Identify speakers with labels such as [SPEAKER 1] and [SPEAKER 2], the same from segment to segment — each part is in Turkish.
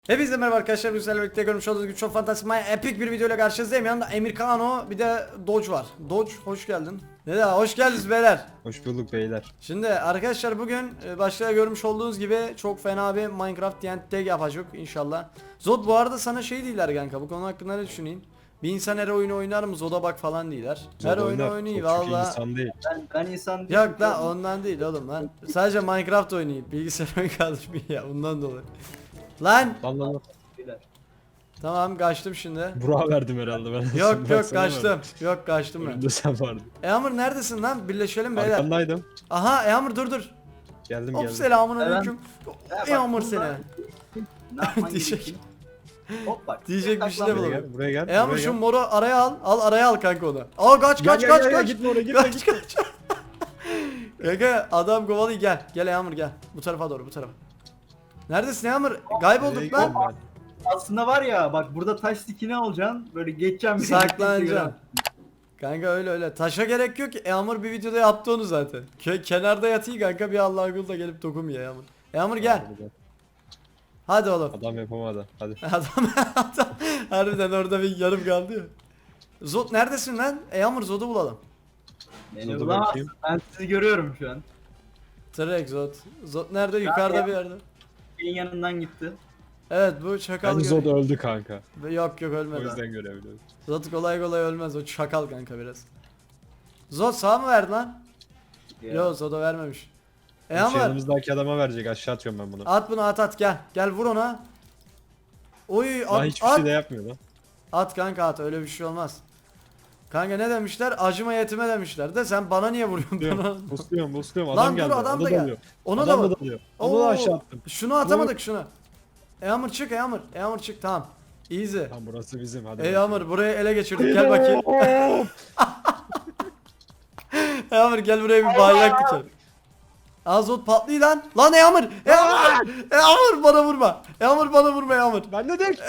[SPEAKER 1] Hepinize merhaba arkadaşlar. Güzel birlikte görmüş olduğunuz gibi çok fantastik, epik bir videoyla karşınızdayım. Yanında Emir Kano, bir de Dodge var. Dodge, hoş geldin. Ne de hoş geldiniz beyler.
[SPEAKER 2] Hoş bulduk beyler.
[SPEAKER 1] Şimdi arkadaşlar bugün başta görmüş olduğunuz gibi çok fena bir Minecraft TNT yapacak inşallah. Zod, bu arada sana şey değiller kanka, bu konu hakkında ne düşüneyim? Bir insan her oyunu oynar mı? Zod'a bak falan değiller. Her
[SPEAKER 2] Zor
[SPEAKER 1] oyunu
[SPEAKER 2] oynar.
[SPEAKER 1] oynayayım
[SPEAKER 2] Çok çünkü
[SPEAKER 1] valla.
[SPEAKER 2] insan değil.
[SPEAKER 3] Ben insan değilim.
[SPEAKER 1] Yok lan, ondan değil oğlum lan. Sadece Minecraft oynayayım. Bilgisayar oyun kaldırmıyor ya, ondan dolayı. Lan
[SPEAKER 2] Lan.
[SPEAKER 1] tamam, kaçtım şimdi.
[SPEAKER 2] Burak'a verdim herhalde ben.
[SPEAKER 1] Yok
[SPEAKER 2] Ben
[SPEAKER 1] yok,
[SPEAKER 2] sana
[SPEAKER 1] kaçtım.
[SPEAKER 2] verdim.
[SPEAKER 1] Yok, kaçtım ben.
[SPEAKER 2] Önümde sen vardın.
[SPEAKER 1] Eamur neredesin lan? Birleşelim beyler.
[SPEAKER 2] Arkandaydım.
[SPEAKER 1] Aha Eamur, dur.
[SPEAKER 2] Geldim
[SPEAKER 1] Hop,
[SPEAKER 2] geldim.
[SPEAKER 1] selamun aleyküm.
[SPEAKER 3] bak,
[SPEAKER 1] Eamur
[SPEAKER 3] burada-
[SPEAKER 1] seni.
[SPEAKER 3] Ne yapman
[SPEAKER 1] Diyecek.
[SPEAKER 3] gerekiyor? Hop bak.
[SPEAKER 1] Diyecek bir şey de
[SPEAKER 2] Buraya
[SPEAKER 1] bulamıyorum.
[SPEAKER 2] gel. Buraya gel.
[SPEAKER 1] Eamur
[SPEAKER 2] buraya
[SPEAKER 1] şu
[SPEAKER 2] gel.
[SPEAKER 1] moru araya al. Al araya al kanka onu. Aa, kaç
[SPEAKER 2] Gel,
[SPEAKER 1] kaç
[SPEAKER 2] gel,
[SPEAKER 1] kaç
[SPEAKER 2] gel,
[SPEAKER 1] kaç.
[SPEAKER 2] gitme oraya, gitme,
[SPEAKER 1] Kaç. Kanka adam kovalıyor, gel. Gel Eamur gel. Bu tarafa doğru, bu tarafa. Neredesin Eamur?
[SPEAKER 2] Nereye
[SPEAKER 1] Kaybolduk
[SPEAKER 2] gidiyorum
[SPEAKER 1] lan.
[SPEAKER 2] ben?
[SPEAKER 3] Aslında var ya bak, burada taş dikine alacaksın. Böyle geçeceğim.
[SPEAKER 1] Saklanacaksın. Kanka öyle. Taşa gerek yok ki. Eamur bir videoda yaptı onu zaten. Kenarda yatıyor kanka, bir Allah'ın kulu da gelip dokunmuyor Eamur. Eamur gel. Hadi oğlum.
[SPEAKER 2] Adam yapamadı. Hadi.
[SPEAKER 1] Adam harbiden orada bir yarım kaldı ya. Zod neredesin lan? Eamur, Zod'u bulalım.
[SPEAKER 3] Beni
[SPEAKER 2] Dur
[SPEAKER 3] bulamazsın.
[SPEAKER 2] bakayım.
[SPEAKER 3] Ben sizi görüyorum şu an.
[SPEAKER 1] Trek Zod. Zod nerede? Yukarıda bir yerde.
[SPEAKER 3] Benim yanından gitti.
[SPEAKER 1] Evet, bu çakal.
[SPEAKER 2] Bence Zod öldü kanka.
[SPEAKER 1] Yok
[SPEAKER 2] O
[SPEAKER 1] ölmedi.
[SPEAKER 2] yüzden görebiliyorum.
[SPEAKER 1] Zod kolay ölmez. O çakal kanka biraz. Zod sağ mı verdi lan?
[SPEAKER 3] Ya.
[SPEAKER 1] Yok, Zod'a vermemiş.
[SPEAKER 2] Şu
[SPEAKER 1] Eamur
[SPEAKER 2] yanımızdaki adama verecek. Aşağı atıyorum ben bunu.
[SPEAKER 1] at bunu, at gel. Gel vur ona. Oy
[SPEAKER 2] Daha
[SPEAKER 1] at,
[SPEAKER 2] hiçbir
[SPEAKER 1] at.
[SPEAKER 2] şey de yapmıyor lan.
[SPEAKER 1] At kanka, at, öyle bir şey olmaz. Kanka ne demişler? Acıma yetime demişler de, sen bana niye vuruyorsun? Bana...
[SPEAKER 2] Busluyorum.
[SPEAKER 1] Lan
[SPEAKER 2] Adam
[SPEAKER 1] dur,
[SPEAKER 2] geldi.
[SPEAKER 1] adam
[SPEAKER 2] O
[SPEAKER 1] da gel.
[SPEAKER 2] dalıyor.
[SPEAKER 1] Ona
[SPEAKER 2] Adam
[SPEAKER 1] da
[SPEAKER 2] da
[SPEAKER 1] vur.
[SPEAKER 2] dalıyor. Onu da aşağı attım.
[SPEAKER 1] Şunu atamadık, şunu. Eamur çık, Eamur çık, tamam. Easy.
[SPEAKER 2] Lan burası bizim. Hadi.
[SPEAKER 1] Eamur burayı ele geçirdik, gel bakayım. Eamur gel buraya, bir bayrak dikelim. Azot patlıyor lan. Lan Eamur! Eamur bana vurma. Eamur bana vurma Eamur.
[SPEAKER 2] Ben de değil.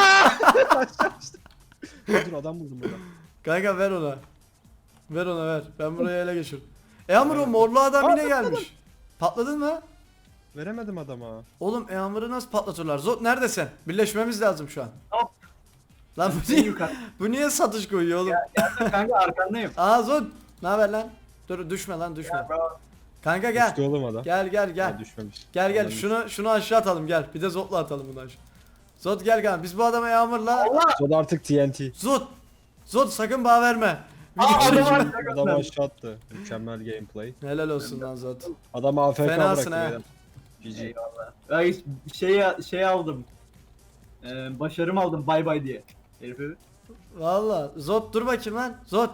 [SPEAKER 2] Dur adam buldum burada.
[SPEAKER 1] Kanka ver ona. Ver ona ver. Ben burayı ele geçirdim. Eamur, o morlu adam yine gelmiş. Patladın mı?
[SPEAKER 2] Veremedim adama.
[SPEAKER 1] Oğlum Eamur'u nasıl patlatırlar? Zot neredesin? Birleşmemiz lazım şu an.
[SPEAKER 3] Hop.
[SPEAKER 1] Lan bu
[SPEAKER 3] En
[SPEAKER 1] niye,
[SPEAKER 3] yukarı.
[SPEAKER 1] bu niye satış koyuyor oğlum?
[SPEAKER 3] Geldim kanka, arkandayım.
[SPEAKER 1] Aa Zot, ne haber lan? Dur, düşme lan, düşme.
[SPEAKER 3] Ya, bravo.
[SPEAKER 1] Kanka gel.
[SPEAKER 2] Düştü oğlum adam.
[SPEAKER 1] Gel.
[SPEAKER 2] Ha, düşmemiş.
[SPEAKER 1] Gel
[SPEAKER 2] Adam
[SPEAKER 1] şunu aşağı atalım, gel. Bir de Zot'la atalım bunu aşağı. Zot gel kanka. Biz bu adama Yağmur'la.
[SPEAKER 3] Allah!
[SPEAKER 2] Zod artık TNT.
[SPEAKER 1] Zot sakın bağ verme.
[SPEAKER 3] Aa,
[SPEAKER 1] Video
[SPEAKER 3] adam
[SPEAKER 1] çekim.
[SPEAKER 3] var.
[SPEAKER 2] Adamı aşağı attı. Mükemmel gameplay.
[SPEAKER 1] Helal olsun lan Zot.
[SPEAKER 2] Adamı AFK
[SPEAKER 1] Fenasın
[SPEAKER 2] bıraktı.
[SPEAKER 1] ha.
[SPEAKER 2] beyler. GG.
[SPEAKER 3] Eyvallah. Ya şey aldım. Başarım aldım bay diye. Herifi.
[SPEAKER 1] Valla Zot dur bakayım lan. Zot.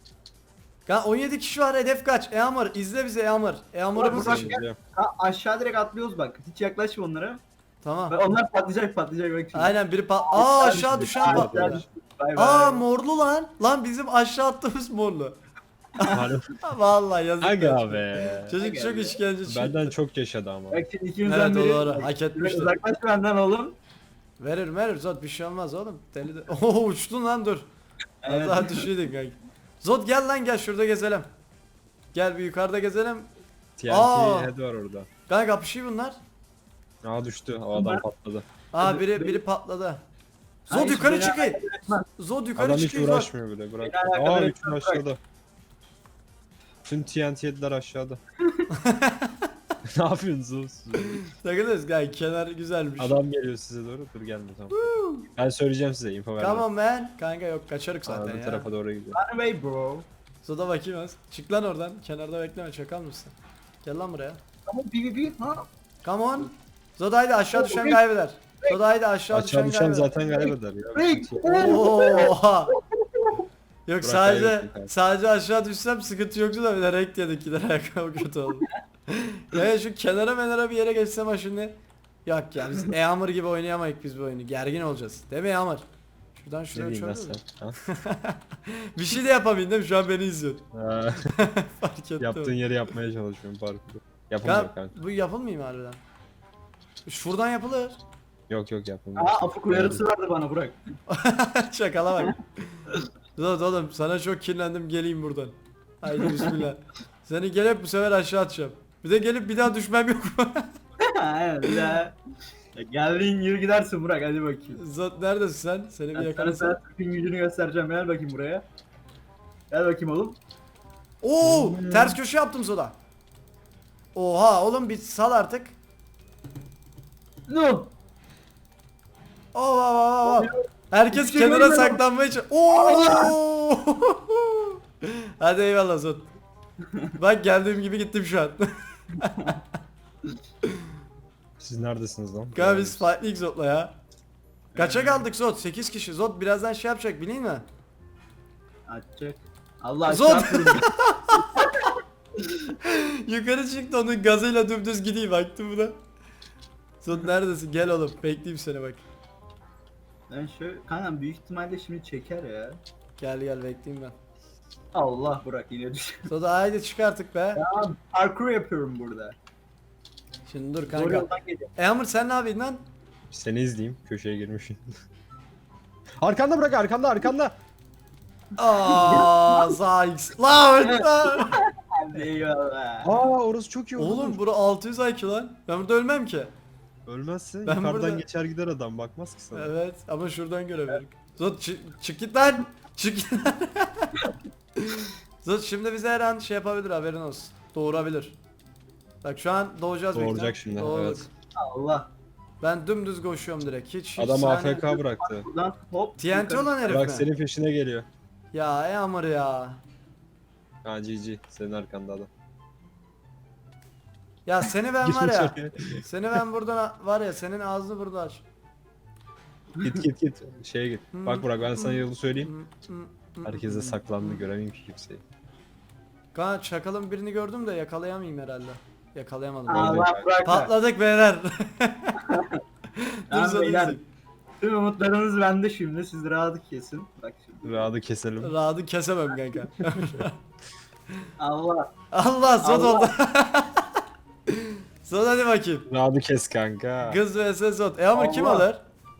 [SPEAKER 1] 17 kişi var, hedef kaç? Eamur izle bizi Eamur. Eamur'u
[SPEAKER 3] Bak,
[SPEAKER 1] bu
[SPEAKER 3] bak.
[SPEAKER 2] Izleyeceğim.
[SPEAKER 3] Aşağı direkt atlıyoruz bak. Hiç yaklaşma onlara.
[SPEAKER 1] Tamam.
[SPEAKER 3] Bak, onlar patlayacak bak şimdi.
[SPEAKER 1] Aynen, biri aşağı düşen
[SPEAKER 2] Aşağı
[SPEAKER 1] patladı.
[SPEAKER 3] Bay
[SPEAKER 1] Aa, morlu lan. Lan bizim aşağı attığımız morlu.
[SPEAKER 2] Harbi.
[SPEAKER 1] Vallahi yazık.
[SPEAKER 2] Aga be.
[SPEAKER 1] Çocuk
[SPEAKER 3] Aga
[SPEAKER 1] çok
[SPEAKER 3] be.
[SPEAKER 1] işkence çekti.
[SPEAKER 2] Benden çok yaşadı ama.
[SPEAKER 3] Bak şimdi ikimizden
[SPEAKER 1] Evet, o
[SPEAKER 3] biri.
[SPEAKER 1] doğru. Hak etmiştir.
[SPEAKER 3] Uzaklaş benden oğlum.
[SPEAKER 1] Verir Zot, bir şey olmaz oğlum. Deli de. Oo, uçtun lan, dur. Az
[SPEAKER 3] Evet.
[SPEAKER 1] daha düşüydün kanka. Zot gel lan, gel şurada gezelim. Gel bir yukarıda gezelim.
[SPEAKER 2] TNT
[SPEAKER 1] Aa.
[SPEAKER 2] head var orada.
[SPEAKER 1] Kanka kapışıyor bunlar.
[SPEAKER 2] Aa düştü. O adam patladı.
[SPEAKER 1] Aa, biri patladı. Zot
[SPEAKER 3] Hayır,
[SPEAKER 1] yukarı
[SPEAKER 3] beni
[SPEAKER 1] çıkıyor.
[SPEAKER 3] alakadar
[SPEAKER 1] Zot yukarı
[SPEAKER 2] Adam hiç
[SPEAKER 1] çıkıyor. Zot.
[SPEAKER 2] uğraşmıyor bile. Bırak.
[SPEAKER 3] Beni alakadar
[SPEAKER 2] Aa
[SPEAKER 3] etmez,
[SPEAKER 2] üçün
[SPEAKER 3] bırak.
[SPEAKER 2] aşağıda. Tüm TNT head'ler aşağıda. Ne yapıyorsunuz?
[SPEAKER 1] Takılırız kanka, kenar güzelmiş.
[SPEAKER 2] Adam geliyor size doğru. Dur gelme tamam. Ben söyleyeceğim size info vermem.
[SPEAKER 1] Tamam man. Kanka yok, kaçarık zaten
[SPEAKER 2] Arada
[SPEAKER 1] ya.
[SPEAKER 2] tarafa doğru gidiyor.
[SPEAKER 3] Run away bro.
[SPEAKER 1] Zot'a bakayım az. Çık lan oradan. Kenarda bekleme, çakal mısın? Gel lan buraya.
[SPEAKER 3] Tamam PvP ha.
[SPEAKER 1] Come on. Zod haydi, aşağı düşen kaybeder. Zod haydi, aşağı
[SPEAKER 2] Aşağı düşen
[SPEAKER 1] kaybeder.
[SPEAKER 2] zaten kaybeder ya.
[SPEAKER 3] Break.
[SPEAKER 1] Oha. Yok,
[SPEAKER 2] Burak
[SPEAKER 1] sadece
[SPEAKER 2] kaybetti kanka.
[SPEAKER 1] sadece aşağı düşsem sıkıntı yoktu da bir de renk yedik, gider ayakkabı kötü oldu. Ya şu kenara bir yere geçsem ha şimdi. Yok ya, biz Eamur gibi oynayamayız biz bu oyunu. Gergin olacağız. Değil mi Eamur? Şuradan
[SPEAKER 2] Ne
[SPEAKER 1] şuraya
[SPEAKER 2] diyeyim lan
[SPEAKER 1] uçabilir
[SPEAKER 2] sen?
[SPEAKER 1] miyim?
[SPEAKER 2] Ha?
[SPEAKER 1] Bir şey de yapamayın değil mi? Şu an beni izliyorsun.
[SPEAKER 2] Ha,
[SPEAKER 1] Fark ettim.
[SPEAKER 2] Yaptığın yeri yapmaya çalışıyorum parkuru. Yapamıyor
[SPEAKER 1] Kanka,
[SPEAKER 2] kanka.
[SPEAKER 1] bu yapılmıyor mu harbiden? Şuradan yapılır.
[SPEAKER 2] Yok yapamıyor.
[SPEAKER 3] Aa, afuk uyarısı vardı bana bırak.
[SPEAKER 1] Şakala bak. Zod oğlum, sana çok kirlendim, geleyim buradan. Haydi bismillah. Seni gelip bu sefer aşağı atacağım. Bir de gelip bir daha düşmem yok mu?
[SPEAKER 3] Evet ya. Geldiğin yürü gidersin Burak, hadi bakayım.
[SPEAKER 1] Zot neredesin sen? Seni bir
[SPEAKER 3] Ben sana
[SPEAKER 1] yakalasam.
[SPEAKER 3] Türk'ün gücünü göstereceğim, gel bakayım buraya. Gel bakayım oğlum.
[SPEAKER 1] Oo, ters köşe yaptım Zot'a. Oha oğlum bir sal artık.
[SPEAKER 3] No.
[SPEAKER 1] Oo. Herkes
[SPEAKER 3] Hiçbir şey
[SPEAKER 1] kenara
[SPEAKER 3] görmedim.
[SPEAKER 1] saklanmaya Oo. Hadi eyvallah Zot. Bak geldiğim gibi gittim şu an.
[SPEAKER 2] Siz neredesiniz lan?
[SPEAKER 1] Kanka biz Fight League Zot'la ya. Kaça kaldık Zot? 8 kişi. Zot birazdan şey yapacak bileyim mi?
[SPEAKER 3] Açacak. Allah
[SPEAKER 1] Zot.
[SPEAKER 3] aşkına kurun.
[SPEAKER 1] Yukarı çıktı onun gazıyla dümdüz gideyim baktım buna. Zot neredesin? Gel oğlum bekleyeyim seni bak.
[SPEAKER 3] Ben şöyle kankam büyük ihtimalle şimdi çeker ya.
[SPEAKER 1] Gel gel bekleyeyim ben.
[SPEAKER 3] Allah Burak yine düş.
[SPEAKER 1] Zot haydi çık artık be.
[SPEAKER 3] Ya parkur yapıyorum burada.
[SPEAKER 1] Şimdi dur
[SPEAKER 3] Zor
[SPEAKER 1] kanka.
[SPEAKER 3] yoldan geliyorum.
[SPEAKER 1] Amr sen ne yapıyorsun lan?
[SPEAKER 2] Seni izleyeyim. Köşeye girmişsin. Arkanda bırak, arkanda.
[SPEAKER 1] Aaa Zayx. Lan lan.
[SPEAKER 3] Hadi eyvallah.
[SPEAKER 2] Orası çok iyi oldu.
[SPEAKER 1] Oğlum bura 600 IQ lan. Ben burada ölmem ki.
[SPEAKER 2] Ölmezsin.
[SPEAKER 1] Ben
[SPEAKER 2] Yukarıdan
[SPEAKER 1] burada-
[SPEAKER 2] geçer gider adam. Bakmaz ki sana.
[SPEAKER 1] Evet ama şuradan görebilirim. Zot çık git lan. Çık git lan. Zot şimdi bize her an şey yapabilir haberin olsun. Doğurabilir. Bak şu an doğacağız
[SPEAKER 2] Doğuracak
[SPEAKER 1] bekle.
[SPEAKER 2] şimdi,
[SPEAKER 1] Doğurduk.
[SPEAKER 2] evet.
[SPEAKER 3] Allah.
[SPEAKER 1] Ben dümdüz koşuyorum direkt. Hiç
[SPEAKER 2] Adam
[SPEAKER 1] saniye-
[SPEAKER 2] AFK bıraktı.
[SPEAKER 3] Buradan hop.
[SPEAKER 1] TNT
[SPEAKER 3] yukarı.
[SPEAKER 1] olan herif
[SPEAKER 2] Bak
[SPEAKER 1] mi?
[SPEAKER 2] senin peşine geliyor.
[SPEAKER 1] Ya Amr ya.
[SPEAKER 2] Ha GG. Senin arkanda adam.
[SPEAKER 1] Ya seni ben var
[SPEAKER 2] Girmiş
[SPEAKER 1] ya.
[SPEAKER 2] oraya.
[SPEAKER 1] Seni ben buradan var ya senin ağzını burada aç.
[SPEAKER 2] Git. Şeye git. Bak Burak, ben sana yolu söyleyeyim. Herkese saklandı, göremeyim ki kimseyi.
[SPEAKER 1] Kanka çakalın birini gördüm de yakalayamayayım herhalde. Yakalayamadım.
[SPEAKER 3] Allah Burak. da.
[SPEAKER 1] Patladık beyler. Dur
[SPEAKER 3] Tamam
[SPEAKER 1] sonra
[SPEAKER 3] beyler.
[SPEAKER 1] izleyin.
[SPEAKER 3] Tüm umutlarınız bende şimdi. Siz rahatı kesin. Bak şimdi.
[SPEAKER 2] Rahatı keselim.
[SPEAKER 1] Rahatı kesemem kanka.
[SPEAKER 3] Allah.
[SPEAKER 1] Allah zot
[SPEAKER 3] Allah.
[SPEAKER 1] oldu. Zot hadi bakayım.
[SPEAKER 2] Rahatı kes kanka.
[SPEAKER 1] Kız vs zot. Amr kim
[SPEAKER 3] Allah.
[SPEAKER 1] alır?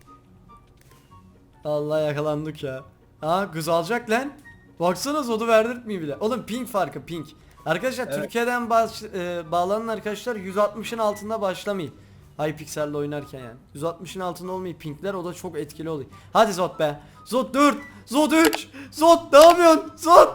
[SPEAKER 1] Allah yakalandık ya. Aa kız alacak lan. Baksana zodu verdirtmiyor bile. Oğlum ping farkı ping. Arkadaşlar
[SPEAKER 3] Evet.
[SPEAKER 1] Türkiye'den bağlanan arkadaşlar 160'ın altında başlamayın. Hypixel'le oynarken yani. 160'ın altında olmayı pingler o da çok etkili oluyor. Hadi Zot be. Zot 4. Zot 3. Zot ne yapıyorsun? Zot.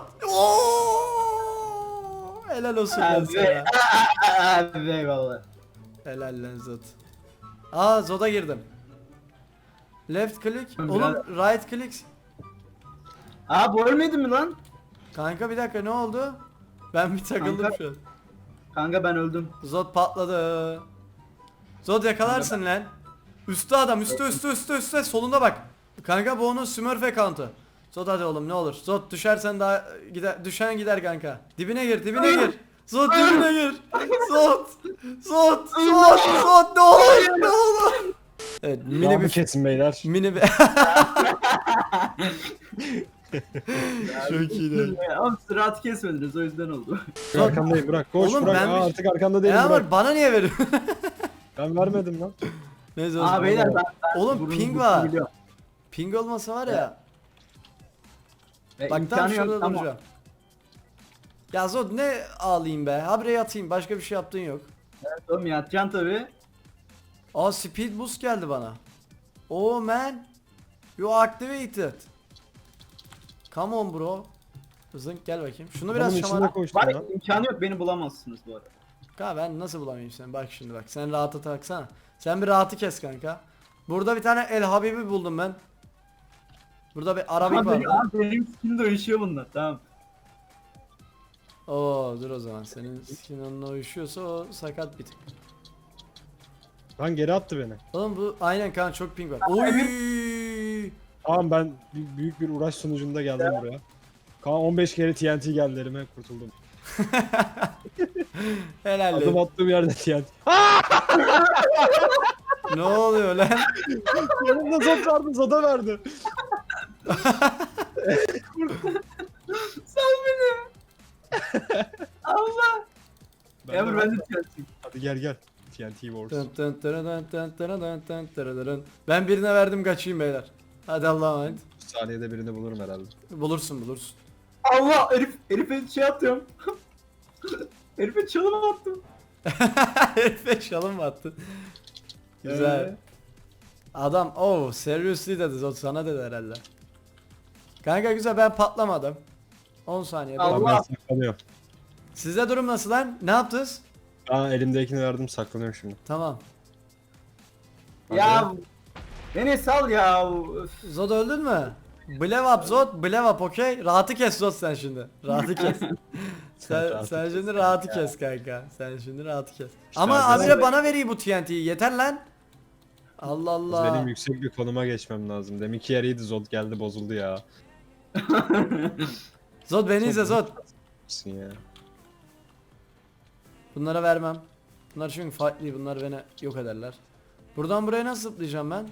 [SPEAKER 1] Oo! Helal olsun lan
[SPEAKER 3] Abi.
[SPEAKER 1] sana.
[SPEAKER 3] Hadi eyvallah.
[SPEAKER 1] Helal lan Zot. Aa Zot'a girdim. Left click.
[SPEAKER 3] Biraz-
[SPEAKER 1] Oğlum right click.
[SPEAKER 3] Aa bu ölmedi mi lan?
[SPEAKER 1] Kanka bir dakika ne oldu? Ben bir takıldım
[SPEAKER 3] Kanka-
[SPEAKER 1] şu an.
[SPEAKER 3] Kanka ben öldüm.
[SPEAKER 1] Zod patladı. Zod yakalarsın lan. Üstte adam üstte solunda bak. Kanka bu onun Smurf account'u. Zod hadi oğlum ne olur. Zod düşersen daha gider, düşen gider kanka. Dibine gir gir. Zod dibine gir. Zod ne olur ne olur. Evet mini
[SPEAKER 2] Rahatı
[SPEAKER 1] bir
[SPEAKER 2] kesin beyler.
[SPEAKER 1] mini bir Çok iyiydi.
[SPEAKER 3] Ama siz rahatı kesmediniz, o yüzden oldu.
[SPEAKER 2] Arkandayım Burak. Koş
[SPEAKER 1] Oğlum
[SPEAKER 2] Burak.
[SPEAKER 1] ben bir-
[SPEAKER 2] Artık arkanda değilim
[SPEAKER 1] Ya
[SPEAKER 2] Burak.
[SPEAKER 1] ama bana niye veriyorsun?
[SPEAKER 2] Ben vermedim lan.
[SPEAKER 1] Neyse o
[SPEAKER 3] Aa
[SPEAKER 1] zaman.
[SPEAKER 3] beyler ben
[SPEAKER 1] Oğlum
[SPEAKER 3] burnumu
[SPEAKER 1] ping
[SPEAKER 3] burnumu
[SPEAKER 1] var.
[SPEAKER 3] biliyorum.
[SPEAKER 1] Ping olmasa var ya. Bak tam
[SPEAKER 3] İmkanı yok,
[SPEAKER 1] şurada
[SPEAKER 3] tamam.
[SPEAKER 1] duracağım. Ya Zod ne ağlayayım be. Habire yatayım. Başka bir şey yaptığın yok.
[SPEAKER 3] Evet oğlum yatacaksın tabi.
[SPEAKER 1] Aa speed boost geldi bana. Oh man. You activated. Come on bro. Zınk gel bakayım. Şunu biraz
[SPEAKER 2] Adamın içinde
[SPEAKER 1] şamara.
[SPEAKER 2] koştun
[SPEAKER 3] Var
[SPEAKER 2] lan.
[SPEAKER 3] imkanı yok, beni bulamazsınız bu arada.
[SPEAKER 1] Kanka ben nasıl bulamayayım seni? Bak şimdi bak. Sen rahata taksana. Sen bir rahatı kes kanka. Burada bir tane El Habibi buldum ben. Burada bir Arabik
[SPEAKER 3] Ama benim,
[SPEAKER 1] vardı.
[SPEAKER 3] benim skin de uyuşuyor bunlar, tamam.
[SPEAKER 1] Oo dur o zaman. Senin skin onunla uyuşuyorsa o sakat bir tık.
[SPEAKER 2] Lan geri attı beni.
[SPEAKER 1] Oğlum bu aynen kanka çok ping var. Oy!
[SPEAKER 2] Tamam ben büyük bir uğraş sonucunda geldim buraya. Kaan 15 kere TNT geldi elime, kurtuldum.
[SPEAKER 1] Helal
[SPEAKER 2] Adım
[SPEAKER 1] lan.
[SPEAKER 2] attığım yerde TNT.
[SPEAKER 1] Ne oluyor lan?
[SPEAKER 2] Yanımda zot vardı, zoda verdi.
[SPEAKER 3] Sal beni. Allah. Emre ben de TNT'yim.
[SPEAKER 2] Hadi gel. TNT Wars.
[SPEAKER 1] Tın tın tırıdın tın tırıdın tın tırıdın. Ben birine verdim kaçayım beyler. Hadi Allah'a emanet.
[SPEAKER 2] Bu saniyede birini bulurum herhalde.
[SPEAKER 1] Bulursun.
[SPEAKER 3] Allah herife şey atıyorum. Herife çalım attım.
[SPEAKER 1] Herife şalım mı attın? Güzel. Adam oh seriously dedi Zot sana dedi herhalde. Kanka güzel ben patlamadım. 10 saniye.
[SPEAKER 3] Allah.
[SPEAKER 2] Tamam ben saklanıyorum.
[SPEAKER 1] Sizde durum nasıl lan? Ne yaptınız?
[SPEAKER 2] Aa elimdekini verdim saklanıyorum şimdi.
[SPEAKER 1] Tamam.
[SPEAKER 3] Ya beni sal ya. Üf.
[SPEAKER 1] Zod öldün mü? Blev up Zod, blev up okey. Rahatı kes Zod sen şimdi. Rahatı kes. sen
[SPEAKER 2] Rahatı
[SPEAKER 1] şimdi rahatı kes kanka. Sen şimdi rahatı kes. Ama
[SPEAKER 2] ben-
[SPEAKER 1] abire bana veriyor bu TNT'yi. Yeter lan. Allah Allah.
[SPEAKER 2] Benim yüksek bir konuma geçmem lazım. Deminki yer iyiydi Zod geldi bozuldu ya.
[SPEAKER 1] Zod beni izle Zod.
[SPEAKER 2] Misin ya?
[SPEAKER 1] Bunlara vermem. Bunlar çünkü fightlıyı, bunlar beni yok ederler. Buradan buraya nasıl zıplayacağım ben?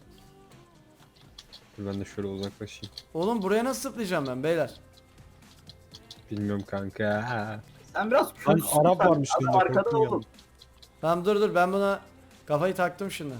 [SPEAKER 2] Dur ben de şöyle uzaklaşayım.
[SPEAKER 1] Oğlum buraya nasıl zıplayacağım ben beyler?
[SPEAKER 2] Bilmiyorum kanka.
[SPEAKER 3] Sen biraz
[SPEAKER 2] Lan
[SPEAKER 3] kötüsün
[SPEAKER 2] Arap
[SPEAKER 3] sen.
[SPEAKER 2] varmış
[SPEAKER 3] Adam
[SPEAKER 2] yanında,
[SPEAKER 3] arkada
[SPEAKER 2] korktum
[SPEAKER 3] oğlum.
[SPEAKER 2] yandım.
[SPEAKER 1] Tamam dur ben buna kafayı taktım şimdi.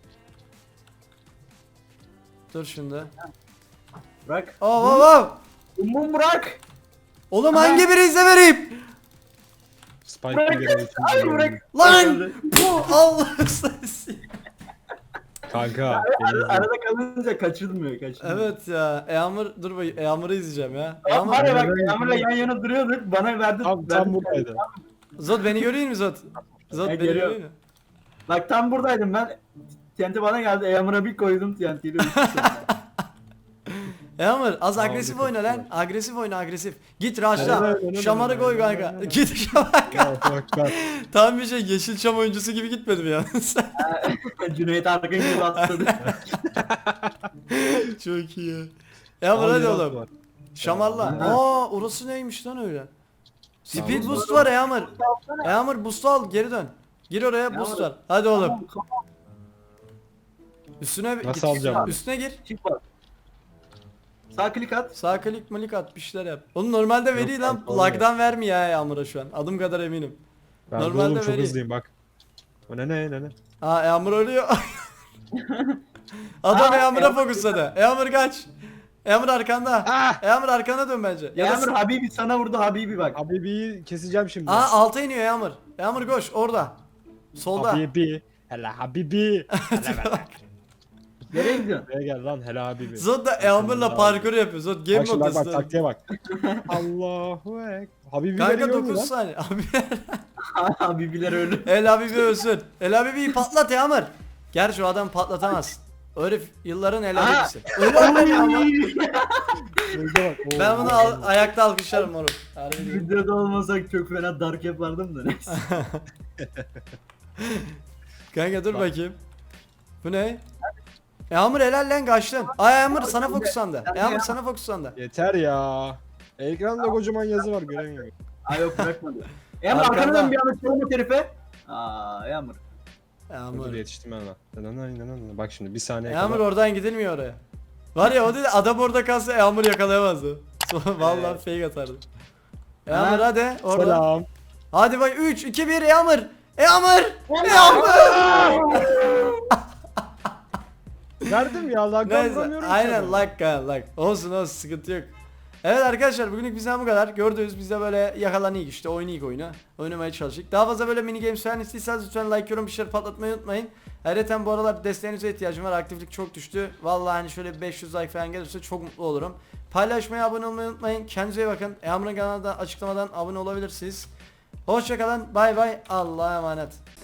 [SPEAKER 1] Dur şimdi.
[SPEAKER 3] Bırak.
[SPEAKER 1] Oh.
[SPEAKER 3] Umum bırak.
[SPEAKER 1] Oğlum hangi birinizle vereyim?
[SPEAKER 2] Spike
[SPEAKER 3] Bırak.
[SPEAKER 2] bir görev için
[SPEAKER 3] Hayır
[SPEAKER 2] geliyorum.
[SPEAKER 3] bırak.
[SPEAKER 1] Lan! Bu Allah sayısı.
[SPEAKER 2] Kanka.
[SPEAKER 3] Arada kalınca kaçılmıyor.
[SPEAKER 1] Evet ya. Eamur dur bakayım. Eamur'u izleyeceğim ya.
[SPEAKER 3] Ya
[SPEAKER 1] Eamur.
[SPEAKER 3] var ya bak Yağmur'la yan yana duruyorduk. Bana verdi.
[SPEAKER 2] Tam buradaydı.
[SPEAKER 1] Zod beni görüyor musun Zod? Zod
[SPEAKER 3] Ben
[SPEAKER 1] beni
[SPEAKER 3] görüyorum.
[SPEAKER 1] görüyor musun?
[SPEAKER 3] Bak tam buradaydım ben. TNT bana geldi. Yağmur'a bir koydum TNT'yi.
[SPEAKER 1] Eamur az
[SPEAKER 2] Tamam,
[SPEAKER 1] agresif
[SPEAKER 2] dikkat
[SPEAKER 1] oyna
[SPEAKER 2] et.
[SPEAKER 1] lan. Agresif oyna agresif. Git raşla.
[SPEAKER 2] Evet,
[SPEAKER 1] Şamarı koy kanka. Git şamar.
[SPEAKER 2] Bak.
[SPEAKER 1] Tam bir şey Yeşilçam oyuncusu gibi gitmedim ya.
[SPEAKER 3] Cüneyt Arkın gibi atladı.
[SPEAKER 1] Çok iyi. Eamur hadi oğlum. Şamarla. Aa orası neymiş lan öyle? Speed
[SPEAKER 2] Tamam.
[SPEAKER 1] boost var Eamur. Eamur boost al geri dön. Gir oraya boost var. Hadi oğlum. Üstüne
[SPEAKER 2] Nasıl
[SPEAKER 1] git.
[SPEAKER 2] alacağım?
[SPEAKER 1] Üstüne gir.
[SPEAKER 3] Çık bak. Sağ klik at.
[SPEAKER 1] Sağ klik malik at bir şeyler yap. Onu normalde veriyor lan.
[SPEAKER 2] kanka, olmuyor.
[SPEAKER 1] Lag'dan vermiyor ya Yağmur'a şu an. Adım kadar eminim.
[SPEAKER 2] Ben
[SPEAKER 1] Normalde
[SPEAKER 2] de oğlum çok
[SPEAKER 1] vereyim.
[SPEAKER 2] hızlıyım bak. O ne.
[SPEAKER 1] Aa Yağmur ölüyor. Adam
[SPEAKER 3] Aa,
[SPEAKER 1] Yağmur'a
[SPEAKER 3] Yağmur
[SPEAKER 1] fokusladı. Yağmur kaç. Yağmur arkanda. Yağmur arkana dön bence. Ya da
[SPEAKER 3] Yağmur Habibi sana vurdu Habibi bak.
[SPEAKER 2] Habibi'yi keseceğim şimdi.
[SPEAKER 1] Aa alta iniyor Yağmur. Yağmur koş orada. Solda.
[SPEAKER 2] Habibi. Hele Habibi. Hele bak.
[SPEAKER 3] Nereye gidiyorsun?
[SPEAKER 2] Buraya gel lan hele Habibi.
[SPEAKER 1] Zod da Yağmur'la parkur yapıyor. Zod game
[SPEAKER 2] Bak şimdi bak
[SPEAKER 1] modası.
[SPEAKER 2] taktiğe bak. Allahu ek. Habibi
[SPEAKER 1] Kanka
[SPEAKER 2] veriyor mu
[SPEAKER 1] 9
[SPEAKER 2] lan?
[SPEAKER 1] saniye. Abi
[SPEAKER 3] Habibiler ölü.
[SPEAKER 1] El Habibi ölsün. El Habibi'yi patlat Yağmur. Gerçi o adam patlatamaz. O herif yılların El
[SPEAKER 3] Aha.
[SPEAKER 1] Habibi'si. Öyle olmadı Yağmur.
[SPEAKER 2] Şurada bak. Oo,
[SPEAKER 1] Ben bunu
[SPEAKER 2] oo.
[SPEAKER 1] ayakta alkışlarım moruk. Harbi değil.
[SPEAKER 3] Videoda olmasak çok fena dark yapardım da neyse.
[SPEAKER 1] Kanka dur
[SPEAKER 2] Bak.
[SPEAKER 1] bakayım. Bu ne? Yağmur helal lan kaçtın. Ay Yağmur sana fokuslandı. Yağmur sana fokuslandı.
[SPEAKER 2] Yeter ya. Ekranda kocaman yazı var göremiyorum.
[SPEAKER 3] Aa yok bırakmadı. Yağmur
[SPEAKER 1] Arkanda.
[SPEAKER 3] arkandan bir anda çalma herife. Aa Yağmur.
[SPEAKER 1] Yağmur.
[SPEAKER 2] Dur yetiştim ben lan. Bak şimdi bir saniye
[SPEAKER 1] Yağmur
[SPEAKER 2] kadar.
[SPEAKER 1] oradan gidilmiyor oraya. Var ya o değil adam orada kalsa Yağmur yakalayamazdı. Sonra vallahi fake atardı. Yağmur
[SPEAKER 3] Ha.
[SPEAKER 1] hadi orada.
[SPEAKER 2] Selam.
[SPEAKER 1] Hadi bak 3 2 1 Yağmur. Yağmur. Yağmur.
[SPEAKER 2] Verdim ya lan
[SPEAKER 1] Neyse
[SPEAKER 2] vuramıyorum
[SPEAKER 1] aynen
[SPEAKER 2] ki.
[SPEAKER 1] like. Olsun sıkıntı yok. Evet arkadaşlar bugünlük bizden bu kadar. Gördüğünüz biz de böyle yakalanıyık işte oynayık oyunu. Oynamaya çalıştık. Daha fazla böyle mini games falan istiyorsanız lütfen like yorum bir şeyler patlatmayı unutmayın. Ayrıca bu aralar desteğinize ihtiyacım var. Aktiflik çok düştü. Vallahi hani şöyle 500 like falan gelirse çok mutlu olurum. Paylaşmayı, abone olmayı unutmayın. Kendinize iyi bakın. Yağmur'un kanalına açıklamadan abone olabilirsiniz. Hoşçakalın. Bay bay. Allah'a emanet.